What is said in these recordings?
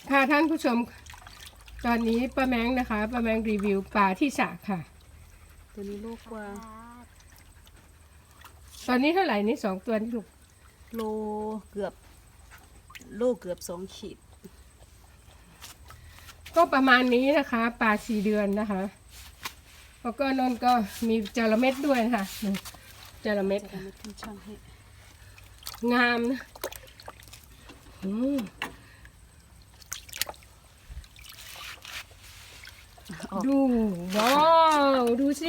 ค่ะท่านผู้ชมตอนนี้ป้าแมงนะคะป้าแมงรีวิวปลาที่สระค่ะตัวนี้โลกว่าตอนนี้เท่าไหร่นี่2 ตัวนี่ลูกโลเกือบ2 ขีดก็ประมาณนี้นะคะปลา4 เดือนนะคะแล้วก็นนก็มีจระเม็ดด้วยนะคะจระเม็ดจะค่ะไม่ขึ้นช่างให้งามนะอืมออกดูว้าวดูสิ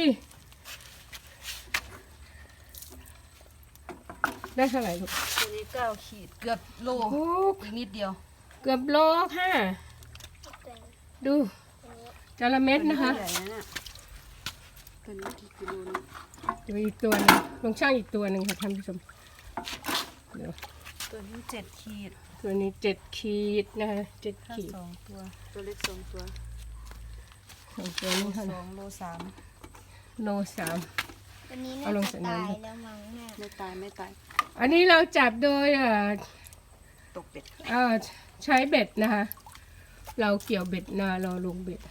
ได้เท่าไหร่ลูกตัวนี้9 ขีด เกือบโลโอ้อีกนิดเดียวเกือบโลค่ะดูจระเม็ดนะคะตัวใหญ่นะเนี่ยตัวนี้กี่กิโลนี่ดูอีกตัวหนึงลองช่างอีกตัวหนึ่งค่ะท่านผู้ชมเดี๋ยวตัวนี้7 ขีดตัวนี้7 ขีดนะคะ7 ถ้าขีด 2 ตัว ตัวเล็ก2 ตัวตัวนี้เท่าไหร่ 2 โลโล 3 วันนี้เอาน่าลงจะใส่น้ำตายแล้วมั้งแม่ 3ไม่ตายอันนี้เราจับโดยตกเป็ดใช้เบ็ดนะคะ เราเกี่ยวเบ็ดนาเราลงเบ็ด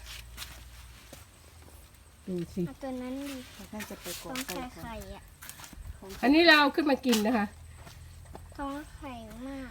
ดูสิเอาตัวนั้นดิน่าจะไปก่อท้อน งไฟไข่ก่อนไข่อ่ะอันนี้เราเอาขึ้นมากินนะคะท้องไข่มาก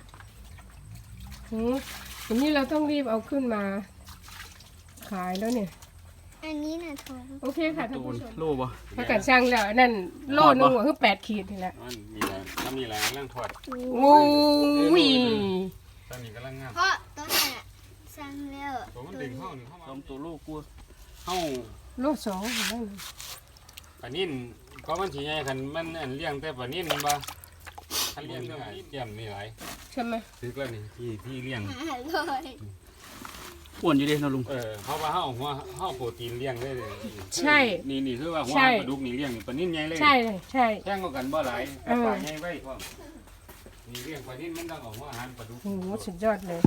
อันนี้เราต้องรีบเอาขึ้นมาขายแล้วเนี่ยอันนี้น่ะท้องโอเคค่ะท่านผู้ชมโลบ่ถ้าเกิดช่างแล้วอันนั่นโลนึงคือ8 ขีดนี่แหละมันมีอะไรถ้ามีอะไรร่างทอดโอ้ยตอนนี้กำลังงามเพราะต้นน่ะสั่งแล้วตัวมันดึงเข้าหนึ่งเข้ามาต้มตัวลูกกลัวเข้าโล 2เห็นไหมปลานิ่นก็มันสีใหญ่คันมันอันเลี้ยงแต่ปลานิ่นมันบ่คันเลี้ยงเท่าไหร่เตรียมนี่หลายใช่ไหมซื้อแล้วนี่ที่เลี้ยงอร่อยอ้วนอยู่เด้นะลุงเพราะว่าเฮาหัวเฮาโปรตีนเลี้ยงได้เลยใช่นี่คือว่าหัวใช่ปลาดุกนี่เลี้ยงปลานิ่นใหญ่เลยใช่เลยใช่แข่งกันบ่หลายปลาใหญ่ไว้พร้อมนี่เลี้ยงปลานิ่นมันต้องเอาหัวอาหารปลาดุกโอ้โหสุดยอดเลย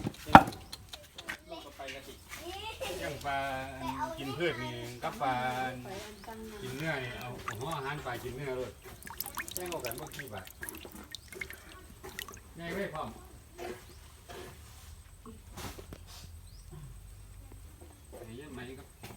อย่างปลากินพืชนี่กับปลากินเนื้อนี่เอาหัวอาหารปลากินเนื้อเลยแจ้งกันเมื่อกี้บาทง่ายเลยพร้อมนี่ยังไหมครับ